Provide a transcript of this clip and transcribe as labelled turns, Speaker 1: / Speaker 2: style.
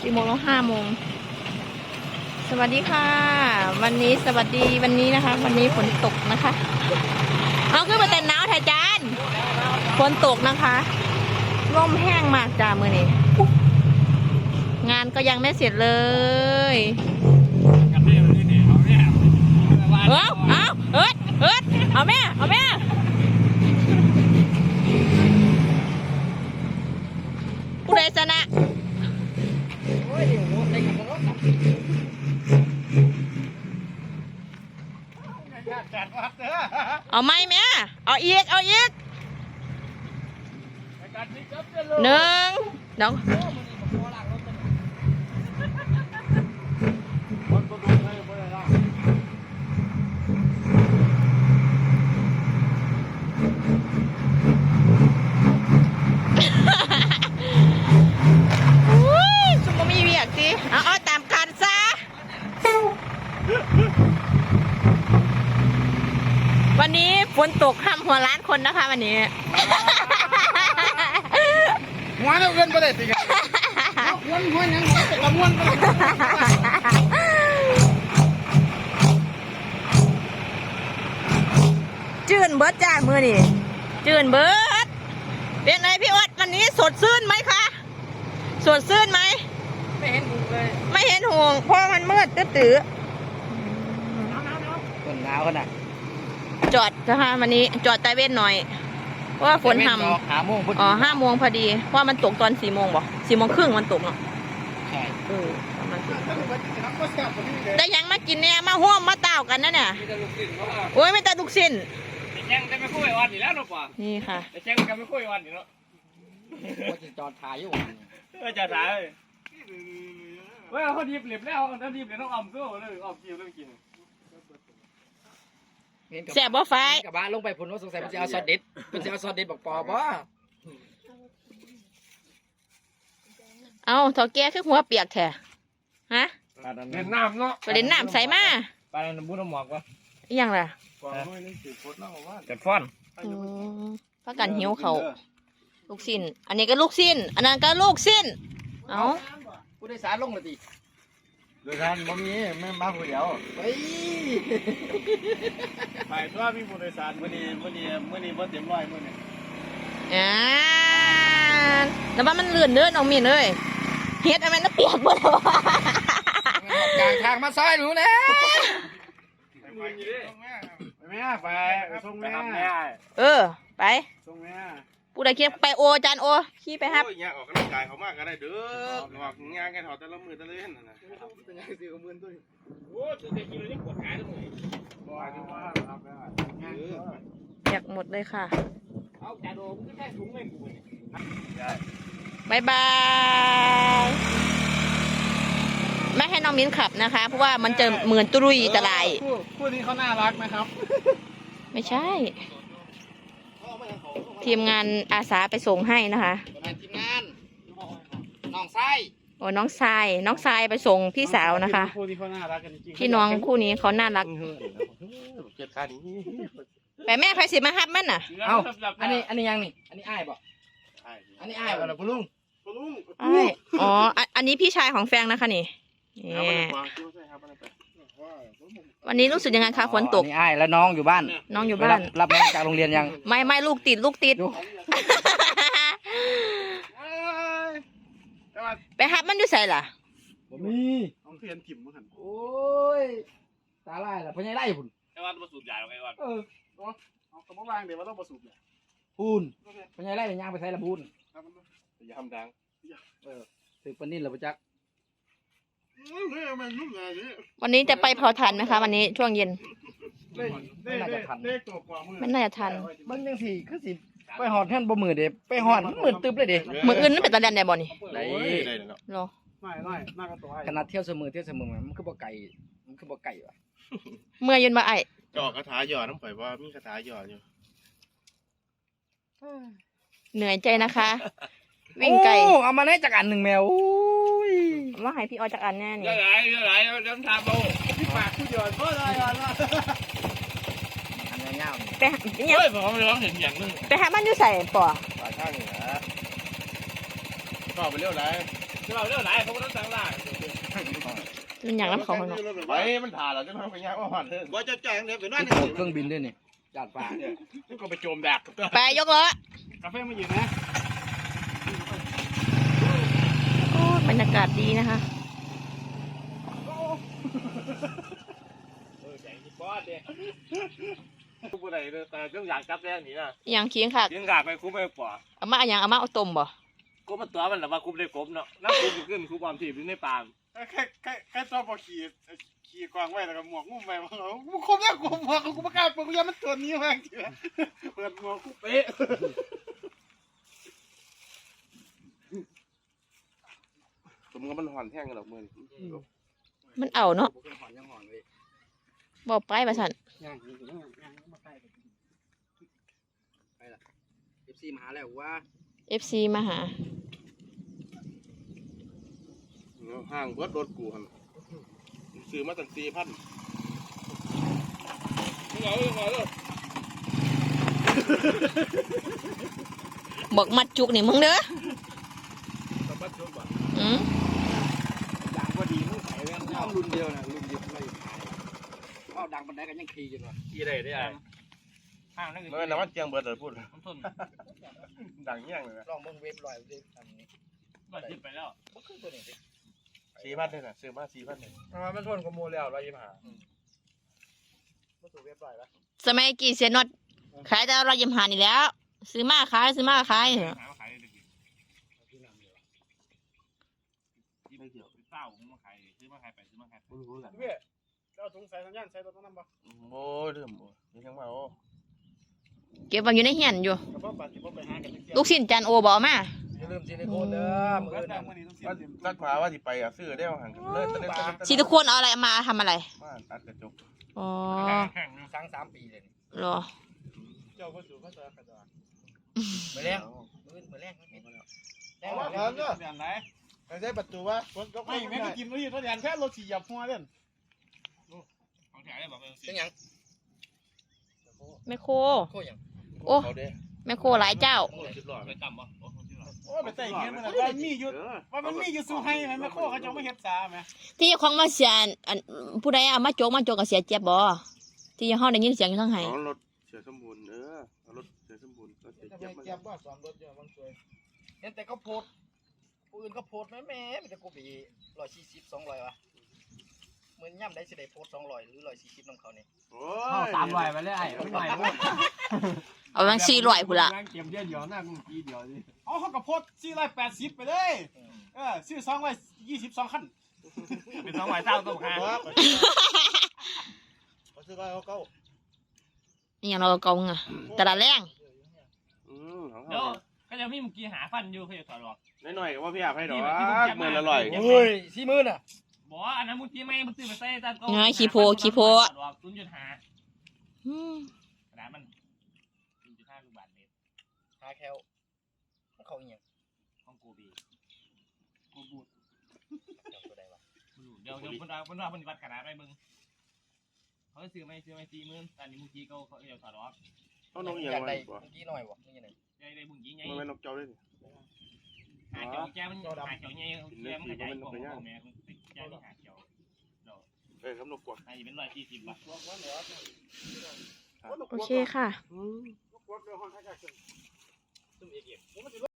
Speaker 1: 4 โมงแล้ว5 โมงสวัสดีค่ะวันนี้สวัสดีวันนี้นะคะวันนี้ฝนตกนะคะเอาขึ้นมาแต่หนาวแท้จานฝนตกนะคะลมแห้งมากจ้ามือนี้งานก็ยังไม่เสร็จเลยเอาแม่ผู้ใดชนะเอาไหมแม่เอาอีก1 เดี๋ยวซุ่มมีเวียกสิเอาตามกันซะวันนี้ฝนตกห้ามหัวล้านคนนะคะวันนี้
Speaker 2: หัวเราเงินไปเลยสิครับหัวยังกระมวลไป
Speaker 1: จื่นเบิร์ดจ้ามือนี่จื่นเบิร์ดเป็นไงพี่อดวันนี้สดชื่นไหมคะสดชื่นไหม
Speaker 2: ไม่เห็นหูเลย
Speaker 1: ไม่เห็นห่วงเพราะมันมืดตื้อ
Speaker 2: คนหนาวขนาด
Speaker 1: จอดนะคะวันนี้จอดใต้เว้นหน่อยเพราะว่าฝนห่ำ
Speaker 2: 5 โมง
Speaker 1: 5 โมงพอดีเพราะมันตกตอน4 โมงบ่4 โมงครึ่งมันตกเนาะ
Speaker 2: ใช่
Speaker 1: ประมาณแต่ยังมากินเนี่ยมาห่วมมาเต่ากันนะเนี่ยโอ้ยไม่แต่ลูกสิ้น
Speaker 2: แจ้งกันไม่คุยวันอยู่แล้วเนาะป่ะ
Speaker 1: นี่ค่ะ
Speaker 2: แจ้งกันไม่คุยวันอยู่เนาะจอดถ่ายอยู่จอดถ่ายเว้ยเขาดีบเหล็บแล้วเขาดีบเหล็บต้องอมก็เลยอมกินเรื่องกิน
Speaker 1: แสบบ่ไฟ
Speaker 2: กับบ้านลงไปผลว่าสงสัยมันจะเอาซอสเด็ดบอกปอบ่
Speaker 1: เอาเถาแก่คือหัวเปียกแท้ฮะ
Speaker 2: เล่นน้ำเนาะ
Speaker 1: ไปเล่นน้ำใส่มา
Speaker 2: ไปน้ำบุ้น้ำหมอกวะ
Speaker 1: ยังล่ะ
Speaker 2: จัดฟ้อน
Speaker 1: พักกันหิวเขาลูกสิ้นอันนี้ก็ลูกสิ้นอันนั้นก็ลูกสิ้นเอา
Speaker 2: ผู้โดยสารลงเลยดิโดยสารบ่มีไม่มาผู้เดียวไปทั่วมีผู้โดยสารมื้อนี้บ่เต็มร้อยมื้อนี้
Speaker 1: แล้วว่ามันเลื่อนเดินออกมีเลยเฮ็ดอะไรน่ะเปียกหมดแล้ว
Speaker 2: กลางทางมาซอยหนูนะไปส่งแม่
Speaker 1: ไป
Speaker 2: ส่งแม่
Speaker 1: ผู้ใดคิดไปโอจานโอขี่ไปครับ
Speaker 3: เนี่ยออกกำลังกายเขามากก็ได้เด้อหอกงานกันถอดแต่ละมือแต่ละเล่นนะ
Speaker 2: เป็นไงสิกับมือตัวโอ้จะได้กินเลยนี่ปวดขาทั้งหมด
Speaker 1: อยากหมดเลยค่ะ
Speaker 2: เอาจานโอมึงก็แค่ถุงเงินกู
Speaker 1: บายบายไม่ให้น้องมิ้นขับนะคะเพราะว่ามันจะเหมือนตุรุยตะไล
Speaker 2: คู่นี้เขาน่ารักนะครับ
Speaker 1: ไม่ใช่ทีมงานอาสาไปส่งให้นะคะ
Speaker 2: ทีมงานน้องทราย
Speaker 1: โอ้น้องทรายไปส่งพี่สาวนะคะพี่น้องคู่นี้เขาน่ารักแต่แม่ใครสิมาฮับมันน่ะ
Speaker 2: เอ้าอันนี้ยังนี่อันนี้อ้ายบอกอันนี้อ้ายบอก
Speaker 3: ปลุง
Speaker 1: อ๋ออันนี้พี่ชายของแฟงนะคะนี่วันนี้รู้สึกยังไงคะฝนตก
Speaker 2: นี่อ้ายแล้วน้องอยู่บ้านรับน้องจากโรงเรียนยัง
Speaker 1: ไม่ลูกติดไปฮับมันอยู่ใส่ล่ะ
Speaker 2: มี
Speaker 3: เอาเพียนถิ่มมาหัน
Speaker 2: โอ้ยตาไล่ล่ะพญายไล่พุ่น
Speaker 3: ไอ้วันประสูบใหญ่หรอไอ้วันเอากระบอกวางเดี๋ยวว่าต้องประสูบใหญ่
Speaker 2: พุ่นพญายไล่ย่างไปใส่ละพุ่น
Speaker 3: อย่าทำดัง
Speaker 2: ถือปนินหรือปะจัก
Speaker 1: วันนี้จะไปเผาถ่านไหมคะวันนี้ช่วงเย็น
Speaker 2: ไม่น่าจะทัน
Speaker 1: มันน่าจะทัน
Speaker 2: บางอย่างสิคือสิไปหอดแท่นบ่มือเด็ไปหอดมือตึบเลยเด็
Speaker 1: มืออื่นนั่นเป็นตะแลนได้บ่นี่
Speaker 2: ได้
Speaker 1: หรอ
Speaker 2: ขนาดเที่ยวเสมอมันคือบ่ไก่วะ
Speaker 1: เมื่อยืนมาไอ
Speaker 3: จอกคาถาหยอดน้ำข่อยว่ามีคาถาหยอดอยู่
Speaker 1: เหนื่อยใจนะคะวิ่งไกล
Speaker 2: เอามาให้จากอันหนึ่งแมว
Speaker 1: ว่าให้พี่ออจากอันแน่นี่
Speaker 3: เดี๋ยวไหลเดี๋ยวทำเอาพี่ปากผู้หยอดก็ได้อัน
Speaker 2: เงา
Speaker 1: ไป
Speaker 3: เฮ้ยผมร้องเห็นอย่างนึง
Speaker 1: ไปหามันอยู่ใส่ป่อ
Speaker 3: ปากข้างเหนือก็ไปเลี้ยวไหลเขาไม่ต้องสั่งลา
Speaker 1: มันอยากน้ำเขาข้างนอก
Speaker 3: ไปมันถ่าเราจะทำไปยากว่าหันเถอะ
Speaker 4: ว่าจะแจ้งเนี่ยไปนั่น
Speaker 2: เครื่องบินด้วยนี่จาดฟ้าเนี่ย
Speaker 3: นี่ก็ไปโจมแดก
Speaker 1: ไปยกล้อก
Speaker 3: าแฟมาอยู่นะ
Speaker 1: โอ้บรรยากาศดีนะคะ
Speaker 3: แข่งที่บอสเนี่ยกูไปไหนเลยแต่ก็อยากจับแรงนี่นะ
Speaker 1: อย่างเคียงค่ะ
Speaker 3: เลี้ยงกาไปคุ้มไปกว่า
Speaker 1: เอามาอย่างเอามาเอาต้มบ่
Speaker 3: กูมันตัวมันหรือว่าคุ้มได้กบเนาะน้ำคุ้มขึ้นคุ้มความถี่อยู่ในปาม
Speaker 4: แค่ตัวพอขี่กวางไว้แล้วก็หมวกงุ้มไปมันกูคมแล้วกูหมวกกูประกาศกูยังมันตัวนี้มากจริงเปิดหมวกกูเป๊ะ
Speaker 3: สมกับมันห่อนแท่งกันหรอกมึง
Speaker 1: มันเอาเนาะ
Speaker 2: หอนยังหอนเลย
Speaker 1: บอกไปประสัน
Speaker 2: ย่างมาใกล้ไปละFC มาหาแล้วว่า
Speaker 1: FC มาหา
Speaker 3: ห่างเบิดรถกูหันซื้อมาตั้ง4,000มึงเอาเลย
Speaker 1: บอกมัดจุกนี่มึงเด้อ
Speaker 3: สบัดชนบ่
Speaker 1: อืม
Speaker 2: ดังพอดีมึงใส่แว่นเอารุ่นเดียวนะรุ่นเดียวเลยเอาดังปันไดกันยังขี่อยู่วะ
Speaker 3: กี่ได้ได้ห่างนั่นคือน้ำมันเจียงเบิดเลยพูดดังเงี้ยงเลย
Speaker 2: ลองมึงเว็บลอยดิทำนี้
Speaker 3: ก็จิบไปแล้ว
Speaker 2: มันคือตัวนี้ดิ
Speaker 3: 4,000เลยนะซื้อมา4,000เลยมันทนกับมูแล้ว125
Speaker 2: มันตัวเว็บลอยปะ
Speaker 1: สมัยกี่เสียน็อตขายแต่เรายำหานี่แหล้ว ซื้อมาขายซื้อมาขายเหรอ
Speaker 3: หาขายได้กี่ที่ไม่เกี่ยวเต้าผมมาขายซื้อมาขายไปซื้อมาขายไม่รู้กัน
Speaker 4: เว้ยเราถุงใส่สัญญาณใส่ตัวนั้นบ่
Speaker 3: โอ้เรื่องนี่ทั้งมาโอ้
Speaker 1: เก็บไว้อยู่ในเหียนอยู่
Speaker 4: กระเพาะปลาที่ผมไปหากัน
Speaker 1: ลูกชิ้นจานโอบอกมา
Speaker 2: อย่าลืมซิลิโคนเด้อมือ
Speaker 4: ก็
Speaker 2: อื่น
Speaker 4: แต่
Speaker 2: นะ
Speaker 4: เมื่อนี้ต้องเสีย
Speaker 3: ตัดผาว่าสิไปอ่ะซื้อได้ห่างเลยตอนนี้
Speaker 1: ซิลิโคนเอาอะไรมาทำอะไร
Speaker 3: มาตัดกระจก
Speaker 1: อ๋อ
Speaker 2: สั่ง3 ปีเลยนี่
Speaker 1: เหรอ
Speaker 4: เจ้าก็สูก็เจอกระดาษ
Speaker 2: มือแรงมือแรงมันเห็นแล้วแรง
Speaker 4: ว่า
Speaker 2: แล้
Speaker 4: เนาะอย่างไรใช้ประตูวะคนก็ไม่แม่ก็กินไม่ยินเพราะอย่างแค่รถฉี่หยับหัวเล่น
Speaker 3: ของแถวได้บอกเป็น
Speaker 2: เป็นยัง
Speaker 1: แมคโคร
Speaker 2: โคยัง
Speaker 1: โอ้
Speaker 3: เขาเด้
Speaker 1: แมคโครหลายเจ้า
Speaker 3: 10 ไม่ต่ำป่ะโอ้10
Speaker 4: โอ้ไปใส่เงี้ยมันว่ามีอยู่ว่ามันมีอยู่สู้ให้ไหมแม่โคเขาจะไม่เฮ็ดซาไหม
Speaker 1: ที่ของมาเสียอันผู้ใดเอามาโจกกับเสียเจ็บบ่ที่ห้องได้ยินเสียงอยู่ทั้งไห้
Speaker 3: รถเสียสมบูรณ์รถเสียสมบูรณ์ก็เสีย
Speaker 4: จะ
Speaker 3: เจ็บ
Speaker 4: ไป
Speaker 3: มา
Speaker 4: เก็บว่าสอนรถเยอะมันสวย
Speaker 2: เห็นแต่เขาโพดผู้อื่นเขาโพดแม่มันจะกูปี140 200วะเหมือนย่ำได้สิได้โพด200หรือ140น้ำเขานี่
Speaker 3: โอ้
Speaker 2: 300ไปเลยไอ้ไม่ไหว
Speaker 1: เอาบาง400พุ่นละ
Speaker 3: เก็บเดียวหน้ากูปีเดียวดิ
Speaker 4: อ๋อเขากับโพด480ไปเลยซื้อ222คัน
Speaker 3: เป็น2ใบเต้าต้องหา
Speaker 4: เขาซื้อเขาเก้า
Speaker 1: นี่อย่างเราเกงอ่ะตลาดแรง
Speaker 3: เดี๋ยว
Speaker 5: ก็จะมีเมื่อกี้หาฟันอยู่เขาจะถอดออก
Speaker 3: น้อยๆว่าพี่อยากให้ดอกมือละร้อย
Speaker 2: โอ้ย40,000น่ะ
Speaker 5: บอกว่าอันนั้นมุ้งที่ไม่มุ้งซื้อมาใส่ตามก็
Speaker 1: ขี้โพ
Speaker 5: ถอดออก0.5
Speaker 1: อืม
Speaker 5: ขนาดมัน 0.5 ลูกบาศก์เมตร
Speaker 2: หาแคลเขาอีหยัง
Speaker 5: ของกูบี
Speaker 2: กูบูดจับตัวใดวะ
Speaker 5: เดี๋ยวคนว่าคนวัดขนาดไม่มึงเขาซื้อไม่40,000อันนี้มุ้งที่เขาจะถอดออก
Speaker 3: เขานกอย่าง
Speaker 2: อยาก
Speaker 3: ไร
Speaker 2: ได้
Speaker 3: บ่
Speaker 2: เมื่อกี้หน่อยวะนี่ไง
Speaker 5: ได้บุ้งยี่ไง
Speaker 3: มันเป็นนกเจ้าด้วย
Speaker 5: หาเจ้าแกมันหาเจ้าไงแกมันขยายของแม่แกนี่หาเจ้า
Speaker 3: ครับนกกวัก
Speaker 5: อันนี้เป็น140 บาท
Speaker 1: โอเคค่ะ
Speaker 4: รถเรือห้องข้างๆ
Speaker 5: ซุ่มเอก